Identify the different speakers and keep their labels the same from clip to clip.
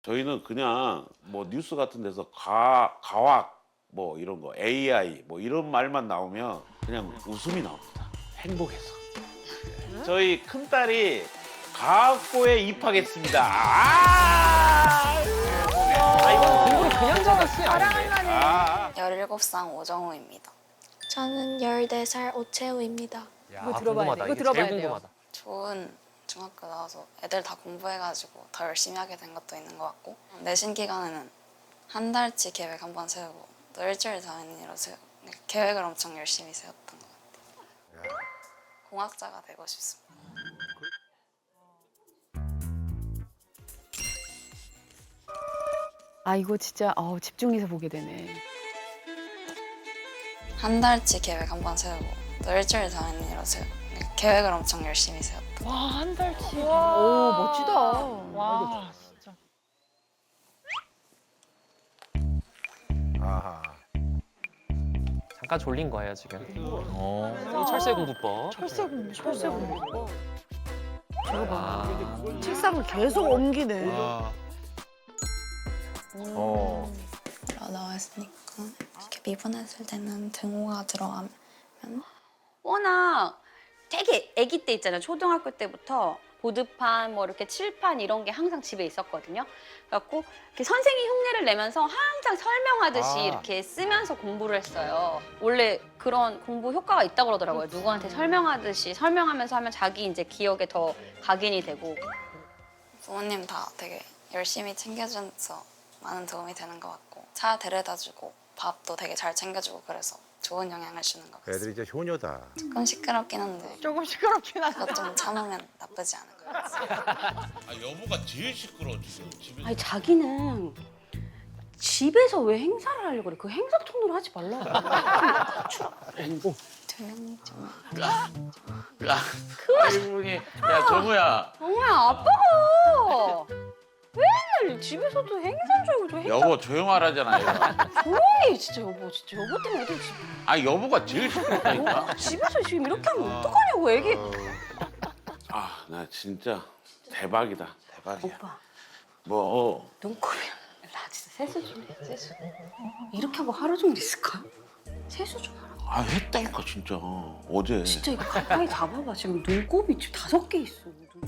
Speaker 1: 저희는 그냥 뭐 뉴스 같은 데서 과학 뭐 이런 거 AI 뭐 이런 말만 나오면 그냥 웃음이 나옵니다. 행복해서. 저희 큰딸이 과학고에 입학했습니다.
Speaker 2: 이건 공부를 그냥 잘하시 아닌데.
Speaker 3: 17살 오정우입니다.
Speaker 4: 저는 14살 오채우입니다.
Speaker 2: 이거 들어봐야 돼. 이거 들어봐야 돼요.
Speaker 5: 궁금하다.
Speaker 3: 좋은 중학교 나와서 애들 다 공부해가지고 더 열심히 하게 된 것도 있는 것 같고 내신 기간에는 한 달치 계획 한 번 세우고 또 일주일 단위로 세우고 계획을 엄청 열심히 세웠던 것 같아요. 공학자가 되고 싶습니다.
Speaker 6: 아 이거 진짜 집중해서 보게 되네.
Speaker 3: 한 달치 계획 한 번 세우고 또 일주일 단위로 세우고 계획을 엄청 열심히 세웠던
Speaker 2: 와, 한 달치.
Speaker 6: 오 멋지다.
Speaker 2: 와, 진짜.
Speaker 7: 아하.
Speaker 5: 잠깐 졸린 거예요 지금. 이 철새 공부법.
Speaker 6: 철새 공부.
Speaker 5: 아,
Speaker 8: 책상을 계속 옮기네.
Speaker 3: 나와 있으니까 이렇게 미분했을 때는 등호가 들어가면
Speaker 9: 워낙 되게 아기 때 있잖아요. 초등학교 때부터 보드판 뭐 이렇게 칠판 이런 게 항상 집에 있었거든요. 그래갖고 이렇게 선생님 흉내를 내면서 항상 설명하듯이 이렇게 쓰면서 공부를 했어요. 원래 그런 공부 효과가 있다고 그러더라고요. 누구한테 설명하듯이 설명하면서 하면 자기 이제 기억에 더 각인이 되고.
Speaker 3: 부모님 다 되게 열심히 챙겨줘서 많은 도움이 되는 것 같고 차 데려다주고 밥도 되게 잘 챙겨주고 그래서 좋은 영향을 주는 것 같습니다.
Speaker 7: 애들이 진짜 효녀다.
Speaker 3: 조금 시끄럽긴 한데
Speaker 8: 조금 시끄럽긴 하다.
Speaker 3: 그거 좀 참으면 나쁘지 않은 것 같아요.
Speaker 1: 아, 여보가 제일 시끄러워 지금 집에서.
Speaker 9: 아니 자기는 집에서 왜 행사를 하려고 그래? 그 행사 통로를 하지 말라고.
Speaker 3: 조용히 좀.
Speaker 1: 아이고, 야 정우야.
Speaker 9: 정우야 아빠가 맨날 집에서도 행사인 줄 알고 저 행사
Speaker 1: 여보 조용하라잖아. 얘가.
Speaker 9: 조용히 해, 진짜 여보 진짜 여보 때문에 애들
Speaker 1: 아 여보가 제일 시끄럽다니까.
Speaker 9: 집에서 지금 이렇게 하면 어떡하냐고 애기.
Speaker 1: 아 나 진짜 대박이다. 대박이야.
Speaker 9: 오빠
Speaker 1: 뭐
Speaker 9: 눈곱이 나 진짜 세수 좀 해. 세수 이렇게 하고 하루 종일 있을까? 세수 좀 하라.
Speaker 1: 아 했다니까 진짜 어제.
Speaker 9: 진짜 이거 가까이 잡아봐. 지금 눈곱이 지금 5개 있어.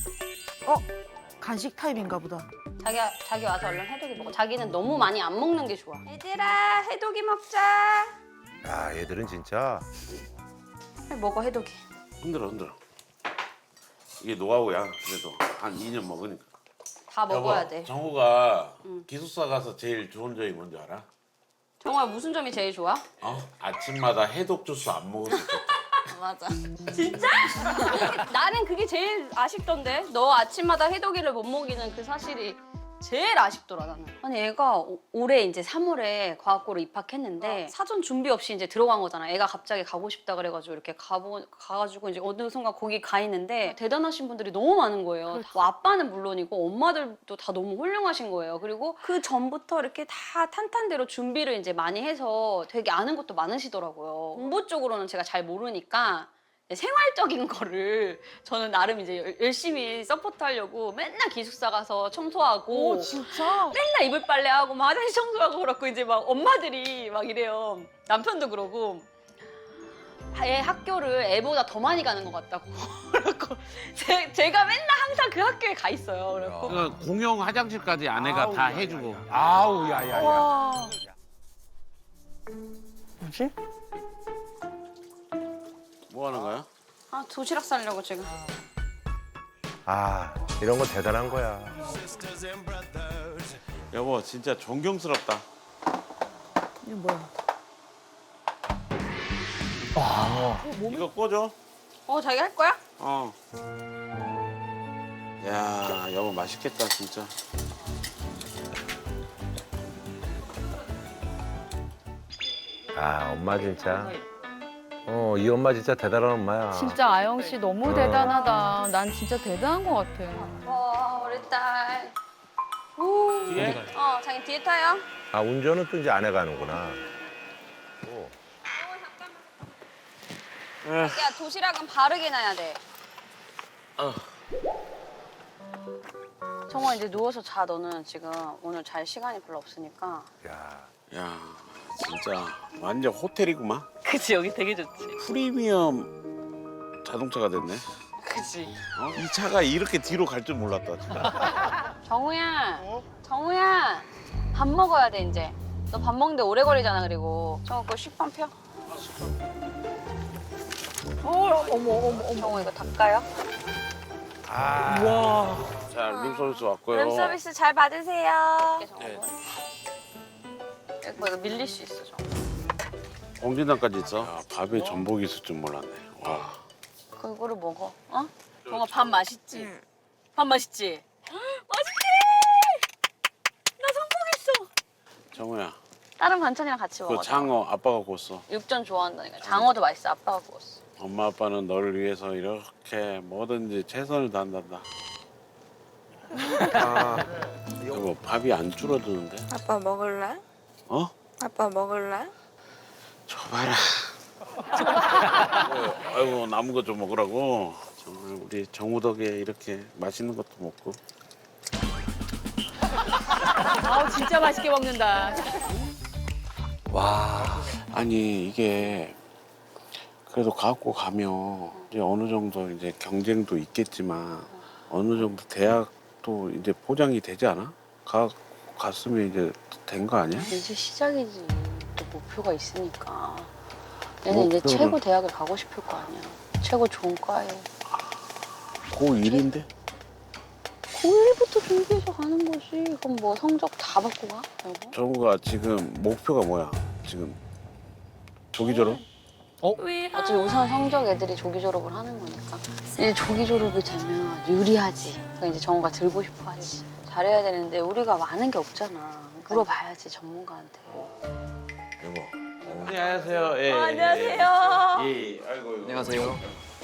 Speaker 8: 간식 타임인가 보다.
Speaker 9: 자기 와서 얼른 해독이 먹어. 자기는 너무 많이 안 먹는 게 좋아. 얘들아 해독이 먹자.
Speaker 7: 야, 얘들은 진짜.
Speaker 9: 빨리 먹어 해독이.
Speaker 1: 흔들어. 이게 노하우야. 그래도 한 2년 먹으니까.
Speaker 9: 다 먹어야
Speaker 1: 여보,
Speaker 9: 돼.
Speaker 1: 정우가 기숙사 가서 제일 좋은 점이 뭔지 알아?
Speaker 9: 정우야 무슨 점이 제일 좋아?
Speaker 1: 아침마다 해독 주스 안 먹어도 좋다.
Speaker 3: 맞아.
Speaker 9: 진짜? 나는 그게 제일 아쉽던데. 너 아침마다 해독이를 못 먹이는 그 사실이 제일 아쉽더라 나는. 아니 애가 올해 이제 3월에 과학고로 입학했는데 사전 준비 없이 이제 들어간 거잖아. 애가 갑자기 가고 싶다 그래가지고 이렇게 가가지고 이제 어느 순간 거기 가 있는데 대단하신 분들이 너무 많은 거예요. 뭐 아빠는 물론이고 엄마들도 다 너무 훌륭하신 거예요. 그리고 그 전부터 이렇게 다 탄탄대로 준비를 이제 많이 해서 되게 아는 것도 많으시더라고요. 공부 쪽으로는 제가 잘 모르니까 생활적인 거를 저는 나름 이제 열심히 서포트하려고 맨날 기숙사 가서 청소하고
Speaker 8: 진짜?
Speaker 9: 맨날 이불 빨래하고 막 화장실 청소하고 그렇고 이제 막 엄마들이 막 이래요. 남편도 그러고 애 학교를 애보다 더 많이 가는 것 같다고. 그래갖고 제가 맨날 항상 그 학교에 가 있어요. 그래갖고
Speaker 1: 공용 화장실까지 아내가 다 해주고.
Speaker 7: 아우, 야야야.
Speaker 8: 와.
Speaker 2: 뭐지?
Speaker 1: 뭐 하는 거야?
Speaker 9: 아 도시락 싸려고 지금.
Speaker 7: 아, 이런 거 대단한 거야.
Speaker 1: 여보 진짜 존경스럽다.
Speaker 8: 이거 뭐야?
Speaker 1: 이거 꽂아.
Speaker 9: 자기 할 거야?
Speaker 1: 야 여보 맛있겠다 진짜.
Speaker 7: 아, 엄마 진짜. 이 엄마 진짜 대단한 엄마야.
Speaker 6: 진짜 아영 씨 너무 대단하다. 난 진짜 대단한 것 같아.
Speaker 9: 우리 딸.
Speaker 1: 뒤에?
Speaker 9: 자기 뒤에 타요.
Speaker 7: 아, 운전은 또 이제 아내가 하는구나. 오.
Speaker 9: 자기야 도시락은 바르게 놔야 돼. 정말 이제 누워서 자. 너는 지금 오늘 잘 시간이 별로 없으니까.
Speaker 1: 야 진짜 완전 호텔이구만.
Speaker 9: 그치, 여기 되게 좋지.
Speaker 1: 프리미엄 자동차가 됐네.
Speaker 9: 그치.
Speaker 1: 이 차가 이렇게 뒤로 갈 줄 몰랐다 진짜.
Speaker 9: 정우야, 정우야, 밥 먹어야 돼 이제. 너 밥 먹는데 오래 걸리잖아. 그리고 정우 거 식빵 펴. 어머. 정우 이거 닦아요?
Speaker 1: 자 룸서비스 왔고요.
Speaker 9: 룸서비스 잘 받으세요.
Speaker 1: 네.
Speaker 9: 이거 밀릴 수 있어, 정우.
Speaker 1: 공진단까지 있어. 야, 밥에 전복이 있을 줄 몰랐네. 와.
Speaker 9: 그거를 먹어. 어? 정우 밥 맛있지? 밥 맛있지? 맛있지? 나 성공했어.
Speaker 1: 정우야,
Speaker 9: 다른 반찬이랑 같이 먹어.
Speaker 1: 그 장어 아빠가 구웠어.
Speaker 9: 육전 좋아한다니까. 장어도 맛있어. 아빠가 구웠어.
Speaker 1: 엄마 아빠는 너를 위해서 이렇게 뭐든지 최선을 다한단다. 이거 밥이 안 줄어드는데?
Speaker 4: 아빠 먹을래?
Speaker 1: 어?
Speaker 4: 아빠 먹을래?
Speaker 1: 줘봐라. 아이고 남은 거 좀 먹으라고. 정말 우리 정우 덕에 이렇게 맛있는 것도 먹고.
Speaker 2: 아우 진짜 맛있게 먹는다.
Speaker 1: 아니 이게 그래도 갖고 가면 이제 어느 정도 이제 경쟁도 있겠지만 어느 정도 대학도 이제 포장이 되지 않아? 갔으면 이제 된 거 아니야?
Speaker 9: 이제 시작이지. 또 목표가 있으니까. 얘는 이제
Speaker 1: 목표는-
Speaker 9: 최고 대학을 가고 싶을 거 아니야. 최고 좋은 과에.
Speaker 1: 고1인데?
Speaker 9: 고1부터 준비해서 가는 거지. 그럼 뭐 성적 다 받고 가? 여보?
Speaker 1: 정우가 지금 목표가 뭐야? 지금 조기 졸업?
Speaker 9: 어차피 우선 성적 애들이 조기 졸업을 하는 거니까. 이제 조기 졸업이 되면 유리하지. 그러니까 이제 정우가 들고 싶어 하지. 잘해야 되는데 우리가 많은 게 없잖아. 물어봐야지 전문가한테.
Speaker 1: 여보. 안녕하세요. 예,
Speaker 9: 안녕하세요.
Speaker 1: 예, 아이고.
Speaker 10: 안녕하세요.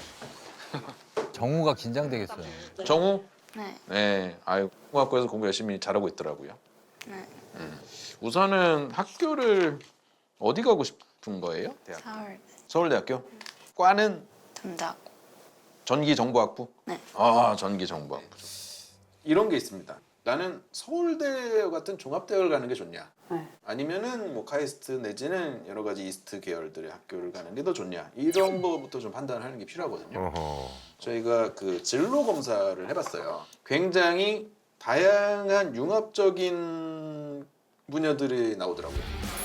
Speaker 11: 정우가 긴장되겠어요.
Speaker 10: 정우?
Speaker 3: 네.
Speaker 10: 네. 아유, 공학과에서 공부 열심히 잘하고 있더라고요.
Speaker 3: 네.
Speaker 10: 우선은 학교를 어디 가고 싶은 거예요? 대학.
Speaker 3: 서울
Speaker 10: 서울대학교? 과는
Speaker 3: 전자고.
Speaker 10: 전기정보학부?
Speaker 3: 네.
Speaker 10: 아, 전기정보학부. 이런 게 있습니다. 나는 서울대 같은 종합대학을 가는 게 좋냐?
Speaker 9: 네.
Speaker 10: 아니면은 뭐 카이스트 내지는 여러 가지 이스트 계열들의 학교를 가는 게 더 좋냐? 이런 거부터 좀 판단하는 게 필요하거든요.
Speaker 7: 어허.
Speaker 10: 저희가 그 진로 검사를 해봤어요. 굉장히 다양한 융합적인 분야들이 나오더라고요.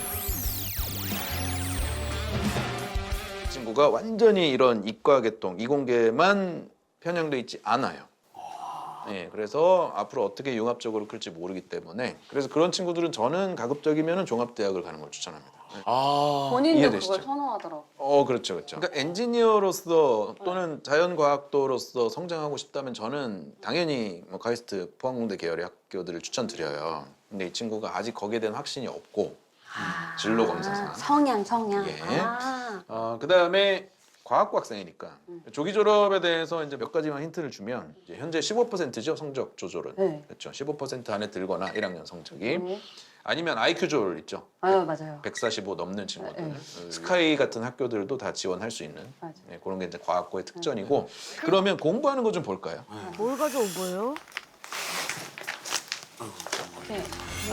Speaker 10: 친구가 완전히 이런 이과계통, 이공계만 편향돼 있지 않아요. 네, 그래서 앞으로 어떻게 융합적으로 클지 모르기 때문에 그래서 그런 친구들은 저는 가급적이면 종합대학을 가는 걸 추천합니다. 네.
Speaker 1: 아,
Speaker 9: 본인도
Speaker 10: 이해되시죠?
Speaker 9: 그걸 선호하더라고.
Speaker 10: 그렇죠, 그렇죠. 그러니까 엔지니어로서 또는 자연과학도로서 성장하고 싶다면 저는 당연히 뭐 카이스트 포항공대 계열의 학교들을 추천드려요. 근데 이 친구가 아직 거기에 대한 확신이 없고 진로 검사상.
Speaker 9: 성향.
Speaker 10: 예.
Speaker 9: 아.
Speaker 10: 그다음에 과학부 학생이니까 조기 졸업에 대해서 이제 몇 가지만 힌트를 주면 이제 현재 15%죠 성적 조절은.
Speaker 9: 네.
Speaker 10: 그렇죠. 15% 안에 들거나 1학년 성적이
Speaker 9: 네.
Speaker 10: 아니면 IQ 조절 있죠.
Speaker 9: 맞아요.
Speaker 10: 145 넘는 친구들.
Speaker 9: 네.
Speaker 10: 스카이 같은 학교들도 다 지원할 수 있는
Speaker 9: 맞아요.
Speaker 10: 네, 그런 게 이제 과학고의 특전이고 그러면 공부하는 거 좀 볼까요?
Speaker 8: 뭘 가져온 거예요?
Speaker 9: 네.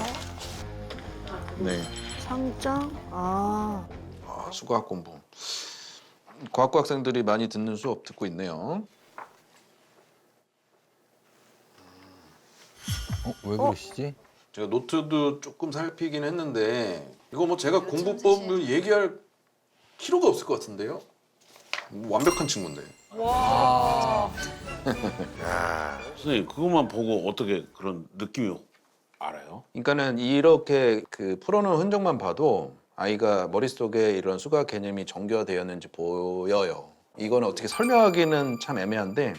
Speaker 10: 네.
Speaker 8: 상장? 아.
Speaker 10: 수과학 공부. 과학고 학생들이 많이 듣는 수업 듣고 있네요.
Speaker 11: 왜 그러시지?
Speaker 10: 제가 노트도 조금 살피긴 했는데 이거 뭐 제가 공부법을 얘기할 필요가 없을 것 같은데요? 완벽한 친구인데.
Speaker 1: 선생님 그것만 보고 어떻게 그런 느낌이 알아요?
Speaker 10: 그러니까는 이렇게 그 풀어놓은 흔적만 봐도 아이가 머릿속에 이런 수학 개념이 정교화되었는지 보여요. 이거는 어떻게 설명하기는 참 애매한데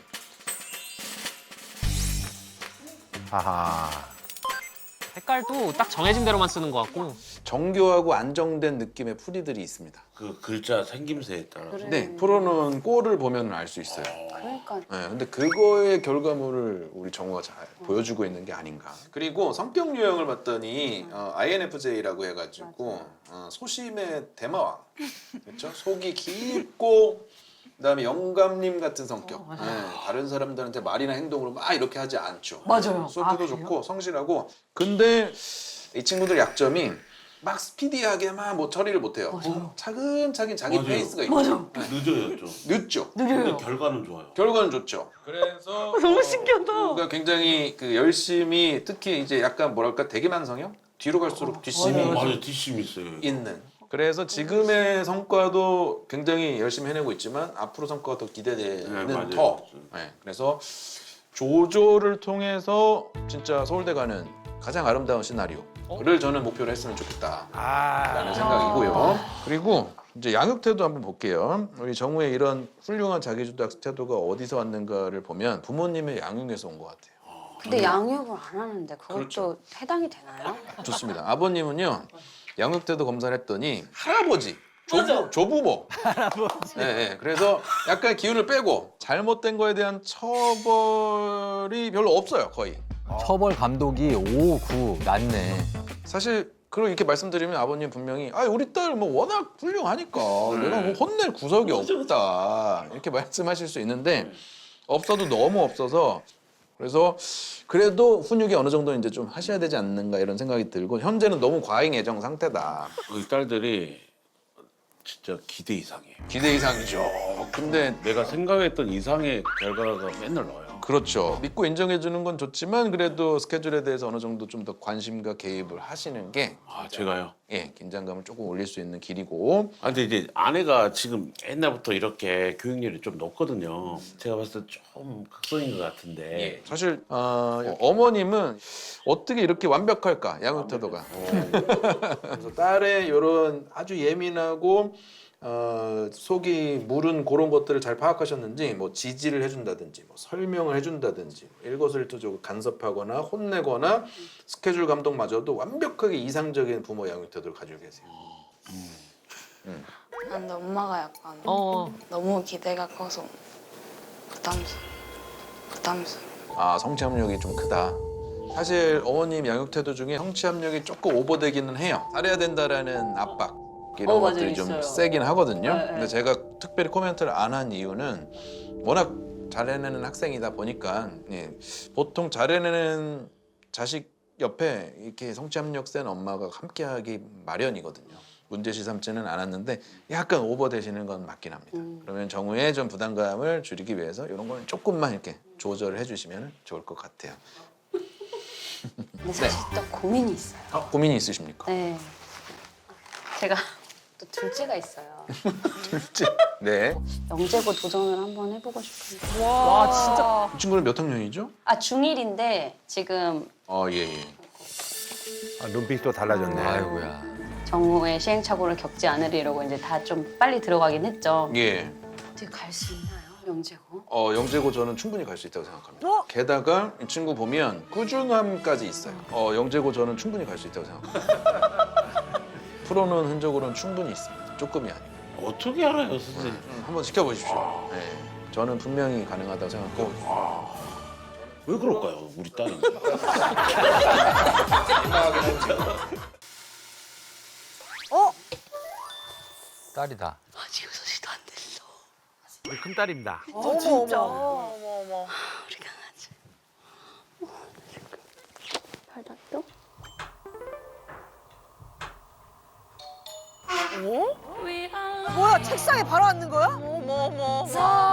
Speaker 7: 하하.
Speaker 5: 색깔도 딱 정해진 대로만 쓰는 것 같고.
Speaker 10: 정교하고 안정된 느낌의 풀이들이 있습니다.
Speaker 1: 그 글자 생김새에 따라서.
Speaker 9: 그래.
Speaker 10: 네, 풀어놓은 꼴을 보면 알 수 있어요.
Speaker 9: 그러니까
Speaker 10: 네, 근데 그거의 결과물을 우리 정우가 잘 보여주고 있는 게 아닌가. 그리고 성격 유형을 봤더니 INFJ라고 해가지고 소심의 대마왕, 그렇죠? 속이 깊고 그다음에 영감님 같은 성격. 네, 다른 사람들한테 말이나 행동으로 막 이렇게 하지 않죠.
Speaker 9: 맞아요.
Speaker 10: 수업도 좋고 성실하고. 근데 이 친구들 약점이 막 스피디하게 막 뭐 처리를 못해요. 차근차근 자기
Speaker 1: 맞아요.
Speaker 10: 페이스가 있고.
Speaker 9: 맞아요.
Speaker 1: 늦어요 좀.
Speaker 10: 늦죠.
Speaker 1: 근데 결과는 좋아요.
Speaker 10: 결과는 좋죠. 그래서
Speaker 9: 너무 신기하다.
Speaker 10: 그러니까 굉장히 그 열심히 특히 이제 약간 뭐랄까 대기만 성형? 뒤로 갈수록 뒷심이
Speaker 1: 맞아요. 뒷심이 있어요.
Speaker 10: 있는. 그래서 지금의 성과도 굉장히 열심히 해내고 있지만 앞으로 성과가 더 기대되는
Speaker 1: 네, 맞아요.
Speaker 10: 더. 네, 그래서 조조를 통해서 진짜 서울대 가는 가장 아름다운 시나리오를 저는 목표로 했으면 좋겠다라는 생각이고요. 그리고 이제 양육 태도 한번 볼게요. 우리 정우의 이런 훌륭한 자기주도 학습 태도가 어디서 왔는가를 보면 부모님의 양육에서 온 것 같아요.
Speaker 9: 근데 양육을 안 하는데 그것도
Speaker 10: 그렇죠.
Speaker 9: 해당이 되나요?
Speaker 10: 좋습니다. 아버님은요 양육 태도 검사를 했더니 할아버지, 조부모. 네, 네. 그래서 약간 기운을 빼고 잘못된 거에 대한 처벌이 별로 없어요, 거의.
Speaker 11: 처벌 감독이 5, 9 낮네.
Speaker 10: 사실 그리고 이렇게 말씀드리면 아버님 분명히 아 우리 딸 뭐 워낙 훌륭하니까 내가 뭐 혼낼 구석이 없다 이렇게 말씀하실 수 있는데 없어도 너무 없어서 그래서 그래도 훈육이 어느 정도 이제 좀 하셔야 되지 않는가 이런 생각이 들고 현재는 너무 과잉 애정 상태다.
Speaker 1: 우리 딸들이 진짜 기대 이상이에요.
Speaker 10: 기대 이상이죠. 근데
Speaker 1: 내가 생각했던 이상의 결과가 맨날 나와요.
Speaker 10: 그렇죠. 믿고 인정해 주는 건 좋지만 그래도 스케줄에 대해서 어느 정도 좀 더 관심과 개입을 하시는 게
Speaker 1: 아 제가요?
Speaker 10: 예, 긴장감을 조금 올릴 수 있는 길이고.
Speaker 1: 아 근데 이제 아내가 지금 옛날부터 이렇게 교육열이 좀 높거든요. 제가 봤을 때 좀 극성인 것 같은데.
Speaker 10: 사실 어머님은 어떻게 이렇게 완벽할까 양육 태도가. 그래서 딸의 이런 아주 예민하고 속이 무른 그런 것들을 잘 파악하셨는지 뭐 지지를 해준다든지 뭐 설명을 해준다든지 일거수일투족을 간섭하거나 혼내거나 스케줄 감독마저도 완벽하게 이상적인 부모 양육 태도를 가지고 계세요.
Speaker 3: 근데 엄마가 약간
Speaker 5: 어.
Speaker 3: 너무 기대가 커서 부담스러워.
Speaker 10: 아 성취 압력이 좀 크다. 사실 어머님 양육 태도 중에 성취 압력이 조금 오버되기는 해요. 잘해야 된다라는 압박 이런
Speaker 9: 맞아요,
Speaker 10: 것들이 좀
Speaker 9: 있어요.
Speaker 10: 세긴 하거든요.
Speaker 9: 네,
Speaker 10: 근데
Speaker 9: 네.
Speaker 10: 제가 특별히 코멘트를 안 한 이유는 워낙 잘해내는 학생이다 보니까 예, 보통 잘해내는 자식 옆에 이렇게 성취 압력 센 엄마가 함께하기 마련이거든요. 문제시 삼지는 않았는데 약간 오버되시는 건 맞긴 합니다. 그러면 정우의 좀 부담감을 줄이기 위해서 이런 거는 조금만 이렇게 조절을 해주시면 좋을 것 같아요.
Speaker 9: 근데 사실 또 고민이 있어요.
Speaker 10: 고민이 있으십니까?
Speaker 9: 네. 제가 또 둘째가 있어요.
Speaker 10: 둘째. 네.
Speaker 9: 영재고 도전을 한번 해보고 싶은데.
Speaker 6: 와, 진짜.
Speaker 10: 이 친구는 몇 학년이죠?
Speaker 9: 아 중1인데 지금
Speaker 10: 예.
Speaker 7: 아, 눈빛이 또 달라졌네.
Speaker 11: 아이고야.
Speaker 9: 정우의 시행착오를 겪지 않으리라고 이제 다 좀 빨리 들어가긴 했죠.
Speaker 10: 예.
Speaker 9: 어떻게 갈 수 있나요, 영재고?
Speaker 10: 영재고 저는 충분히 갈 수 있다고 생각합니다. 게다가 이 친구 보면 꾸준함까지 있어요. 영재고 저는 충분히 갈 수 있다고 생각합니다. 풀어놓은 흔적으로는 충분히 있습니다. 조금이 아니고.
Speaker 1: 어떻게 알아요, 선생님?
Speaker 10: 한번 지켜보십시오. 네. 저는 분명히 가능하다고 생각하고 있습니다.
Speaker 1: 왜 그럴까요, 우리 딸은?
Speaker 11: 딸이다.
Speaker 9: 아직 6시도 안 됐어.
Speaker 1: 우리 큰 딸입니다.
Speaker 4: 진짜.
Speaker 9: 우리 강아지. 발랐어?
Speaker 4: 뭐야, 책상에 바로 앉는 거야? 어머.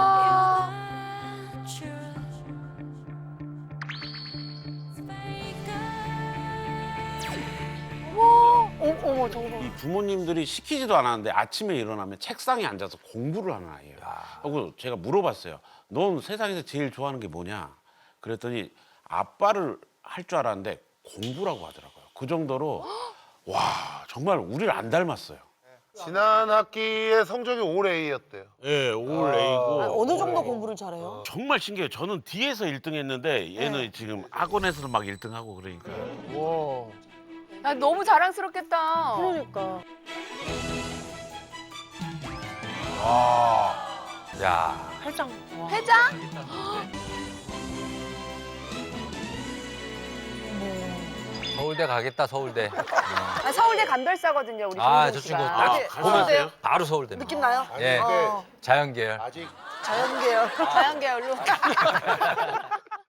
Speaker 4: 어머, 정말.
Speaker 1: 이 부모님들이 시키지도 않았는데 아침에 일어나면 책상에 앉아서 공부를 하는 아이예요. 하고 제가 물어봤어요. 넌 세상에서 제일 좋아하는 게 뭐냐? 그랬더니 아빠를 할 줄 알았는데 공부라고 하더라고요. 그 정도로 와 정말 우리를 안 닮았어요.
Speaker 12: 지난 학기에 성적이 올 A였대요.
Speaker 1: 예, 올 A고
Speaker 4: 어느 정도 공부를 잘해요?
Speaker 1: 정말 신기해요. 저는 뒤에서 1등 했는데 얘는 지금 학원에서도 막 1등 하고 그러니까
Speaker 6: 야, 너무 자랑스럽겠다.
Speaker 4: 그러니까.
Speaker 11: 야.
Speaker 4: 회장.
Speaker 6: 회장?
Speaker 11: 서울대 가겠다 서울대.
Speaker 4: 아, 서울대 감별사거든요, 우리
Speaker 11: 아,
Speaker 4: 정준
Speaker 11: 저
Speaker 4: 씨가.
Speaker 11: 친구
Speaker 12: 아,
Speaker 11: 보면
Speaker 12: 가세요?
Speaker 11: 바로 서울대.
Speaker 4: 느낌 나요?
Speaker 11: 예.
Speaker 12: 근데
Speaker 11: 자연계열.
Speaker 12: 아직
Speaker 4: 자연계열. 자연계열로.